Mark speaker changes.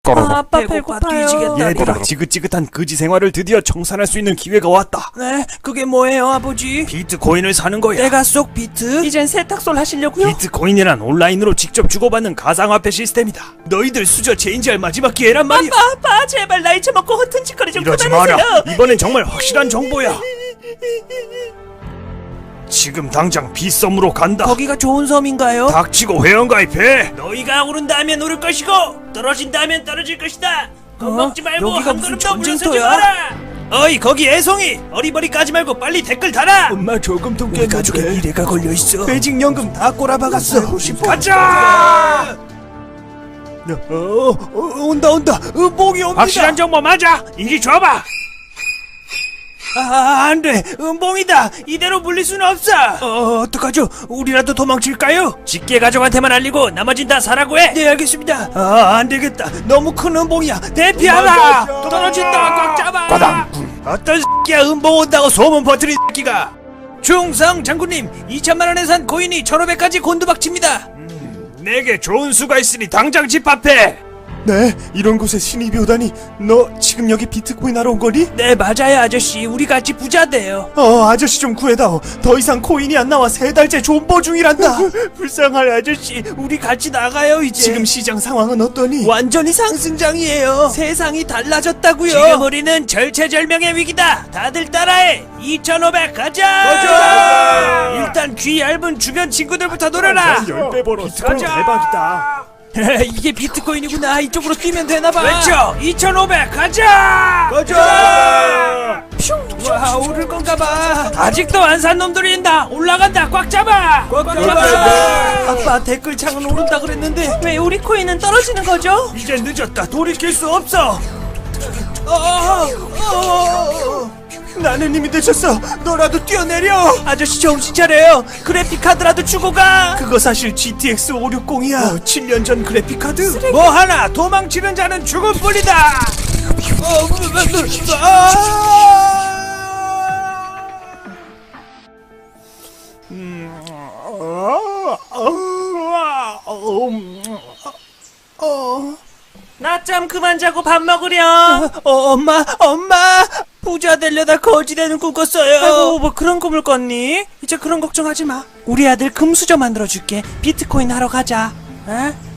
Speaker 1: 아빠 배고파요.
Speaker 2: 얘들아, 지긋지긋한 거지 생활을 드디어 청산할 수 있는 기회가 왔다.
Speaker 1: 네, 그게 뭐예요, 아버지?
Speaker 2: 비트코인을 사는 거야.
Speaker 1: 내가 쏙 비트? 이젠 세탁소를 하시려고요?
Speaker 2: 비트코인이란 온라인으로 직접 주고받는 가상화폐 시스템이다. 너희들 수저 체인지할 마지막 기회란 말이야.
Speaker 1: 아빠, 제발 나 잊혀먹고 허튼 짓거리 좀
Speaker 2: 이러지
Speaker 1: 그만하세요.
Speaker 2: 마라. 이번엔 정말 확실한 정보야. 지금 당장 빗섬으로 간다.
Speaker 1: 거기가 좋은 섬인가요?
Speaker 2: 닥치고 회원가입해.
Speaker 1: 너희가 오른다면 오를 것이고 떨어진다면 떨어질 것이다. 겁먹지 말고 여기가 한 무슨 걸음 더 물러서지
Speaker 2: 전쟁터야?
Speaker 1: 마라. 어이 거기 애송이, 어리버리 까지 말고 빨리 댓글 달아.
Speaker 2: 엄마 저금통
Speaker 1: 우리 가족의 미래가 걸려있어.
Speaker 2: 퇴직연금 다 꼬라박았어.
Speaker 1: 가자.
Speaker 2: 온다. 은봉이 옵니다.
Speaker 1: 확실한 정보 맞아. 이리 줘봐. 안돼, 은봉이다. 이대로 물릴 수는 없어. 어떡하죠? 우리라도 도망칠까요? 직계 가족한테만 알리고 나머진 다 사라고 해. 네, 알겠습니다. 안되겠다. 너무 큰 은봉이야. 대피하라. 떨어진다. 꽉 잡아.
Speaker 2: 과당.
Speaker 1: 어떤 새끼야 은봉 온다고 소문 퍼뜨린 새끼가. 충성 장군님, 2천만원에 산 코인이 1,500까지 곤두박칩니다.
Speaker 2: 내게 좋은 수가 있으니 당장 집합해. 네, 이런 곳에 신입이 오다니. 너 지금 여기 비트코인 하러 온 거니?
Speaker 1: 네, 맞아요 아저씨. 우리 같이 부자 돼요.
Speaker 2: 아저씨 좀 구해다오. 더 이상 코인이 안 나와. 3달째 존버 중이란다. 불쌍할 아저씨.
Speaker 1: 우리 같이 나가요 이제.
Speaker 2: 지금 시장 상황은 어떠니?
Speaker 1: 완전히 상승장이에요. 세상이 달라졌다고요. 지금 우리는 절체절명의 위기다. 다들 따라해. 2,500 가자. 일단 귀 얇은 주변 친구들부터 노려라.
Speaker 2: 10배 벌어. 비트코인
Speaker 1: 가자.
Speaker 2: 대박이다.
Speaker 1: 이게 비트코인이구나. 이쪽으로 뛰면 되나봐. 외쳐. 2,500 가자. 와, 오를 건가봐. 아직도 안 산 놈들이 있다. 올라간다. 꽉 잡아. 꽉 잡아. 아빠 댓글창은 오른다 그랬는데 왜 우리 코인은 떨어지는 거죠?
Speaker 2: 이제 늦었다. 돌이킬 수 없어. 나는 이미 늦었어. 너라도 뛰어내려.
Speaker 1: 아저씨 정신 차려요. 그래픽 카드라도 주고 가.
Speaker 2: 그거 사실 GTX 560이야. 7년 전 그래픽 카드.
Speaker 1: 뭐 하나 도망치는 자는 죽음뿐이다. 낮잠 그만 자고 밥 먹으렴. 엄마 부자 되려다 거지 되는 꿈 꿨어요. 아이고, 뭐 그런 꿈을 꿨니? 이제 그런 걱정하지 마. 우리 아들 금수저 만들어줄게. 비트코인 하러 가자. 에?